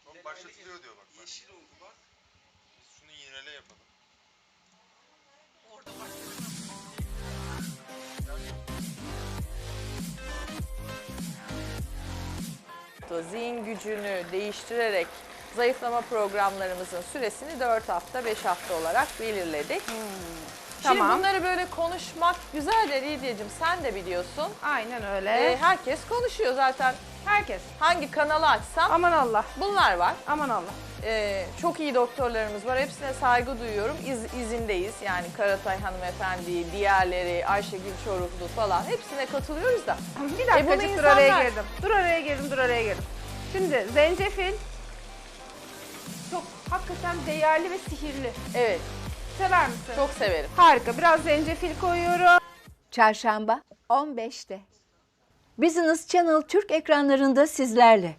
Bak başlatılıyor diyor bak. Yeşil oldu bak. Biz şunu yinele yapalım. Orada Zihin gücünü değiştirerek zayıflama programlarımızın süresini 4 hafta, 5 hafta olarak belirledik. Şimdi Tamam. bunları böyle konuşmak güzel de Lidyacığım, sen de biliyorsun. Aynen öyle. Herkes konuşuyor zaten. Herkes. Hangi kanalı açsam Aman Allah. bunlar var. Aman Allah. Çok iyi doktorlarımız var. Hepsine saygı duyuyorum. İzindeyiz. Yani Karatay hanımefendi, diğerleri, Ayşegül Çoruhlu falan hepsine katılıyoruz da. Bir dakikacık bunu dur araya insanlar- girdim. Dur araya girdim. Şimdi zencefil çok hakikaten değerli ve sihirli. Evet, Sever misin? çok severim. Harika. Biraz zencefil koyuyorum. Çarşamba 15'te. Business Channel Türk ekranlarında sizlerle.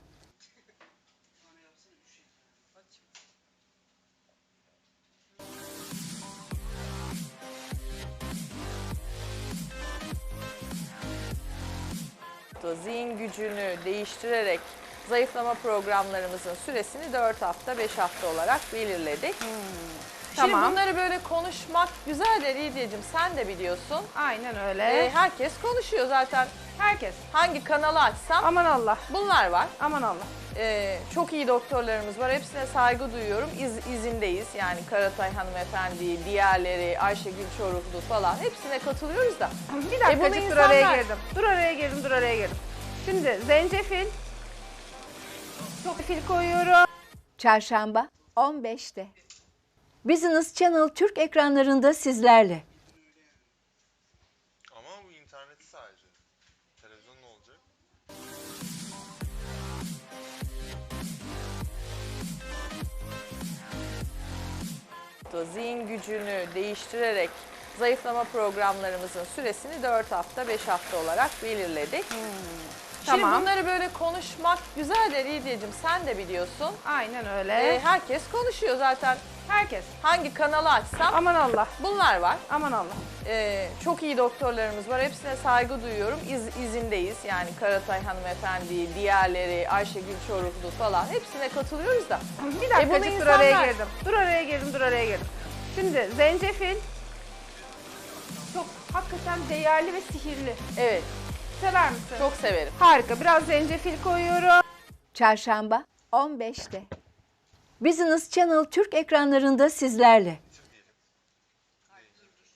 Zihin gücünü değiştirerek zayıflama programlarımızın süresini 4 hafta, 5 hafta olarak belirledik. Şimdi Tamam. bunları böyle konuşmak güzel de Lidyacığım, sen de biliyorsun. Aynen öyle. Herkes konuşuyor zaten. Herkes. Hangi kanalı açsam Aman Allah. bunlar var. Aman Allah. Çok iyi doktorlarımız var. Hepsine saygı duyuyorum. İzindeyiz. Yani Karatay hanımefendi, diğerleri, Ayşegül Çoruhlu falan hepsine katılıyoruz da. Bir dakikacık bunu dur araya insanlar- girdim. Dur araya girdim. Şimdi zencefil çok fil koyuyorum. Çarşamba 15'te. Business Channel Türk ekranlarında sizlerle. Ama bu interneti sadece. Televizyon ne olacak? Zihin gücünü değiştirerek zayıflama programlarımızın süresini 4 hafta, 5 hafta olarak belirledik. Şimdi Tamam. bunları böyle konuşmak güzel de Lidyacığım, sen de biliyorsun. Aynen öyle. Herkes konuşuyor zaten. Herkes. Hangi kanalı açsam Aman Allah. bunlar var. Aman Allah. Çok iyi doktorlarımız var. Hepsine saygı duyuyorum. İzindeyiz. Yani Karatay hanımefendi, diğerleri, Ayşegül Çoruhlu falan hepsine katılıyoruz da. Bir dakikacık bunu dur araya insanlar- girdim. Dur araya girdim. Şimdi zencefil çok hakikaten değerli ve sihirli. Evet, Sever misin? çok severim. Harika. Biraz zencefil koyuyorum. Çarşamba 15'te. Business Channel Türk ekranlarında sizlerle.